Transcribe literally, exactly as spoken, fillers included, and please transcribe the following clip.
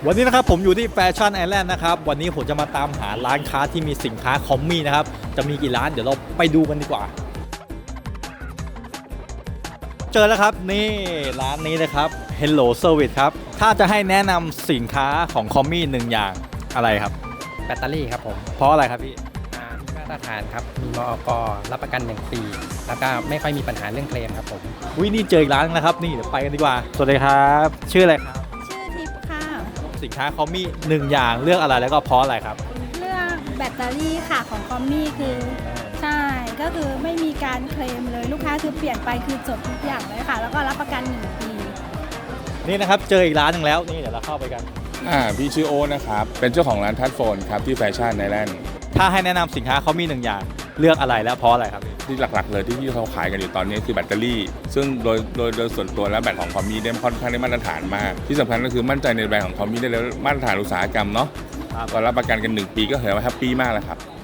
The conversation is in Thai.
วันนี้นะครับผมอยู่ที่แฟชั่นไอแลนด์นะครับวันนี้ผมจะมาตามหาร้านค้าที่มีสินค้าคอมมี่นะครับจะมีกี่ร้านเดี๋ยวเราไปดูกันดีกว่าเจอแล้วครับนี่ร้านนี้เลยครับ Hello Service ครับถ้าจะให้แนะนำสินค้าของคอมมี่หนึ่งอย่างอะไรครับแบตเตอรี่ครับผมเพราะอะไรครับพี่อ่ามีมาตรฐานครับมีมอกรับประกันหนึ่งปีแล้วก็ไม่ค่อยมีปัญหาเรื่องเคลมครับผมวินี่เจออีกร้านนะครับนี่เดี๋ยวไปกันดีกว่าสวัสดีครับชื่ออะไรครับชื่อทิพย์ค่ะสินค้าคอมมี่หนึ่งอย่างเลือกอะไรแล้วก็เพราะอะไรครับเลือกแบตเตอรี่ค่ะของคอมมี่คือใช่ก็คือไม่มีการเคลมเลยลูกค้าคือเปลี่ยนไปคือจบทุกอย่างเลยค่ะแล้วก็รับประกันหนึ่งปีนี่นะครับเจออีกร้านหนึ่งแล้วนี่เดี๋ยวเราเข้าไปกันอ่าพี่ชื่อโอนะครับเป็นเจ้าของร้านทัชโฟนครับที่แฟชั่นไอแลนด์ถ้าให้แนะนำสินค้าคอมมี่หนึ่งอย่างเลือกอะไรและเพราะอะไรครับที่หลักๆเลยที่ที่เขาขายกันอยู่ตอนนี้คือแบตเตอรี่ซึ่งโดยโดยโดยส่วนตัวแล้วแบตของคอมมี่ได้ค่อนข้างได้มาตรฐานมากที่สำคัญก็คือมั่นใจในแบรนด์ของคอมมี่ได้แล้วมาตรฐานอุตสาหกรรมเนาะก็รับประกันกันหนึ่งปีก็ถือว่าแฮปปี้มากแล้วครับ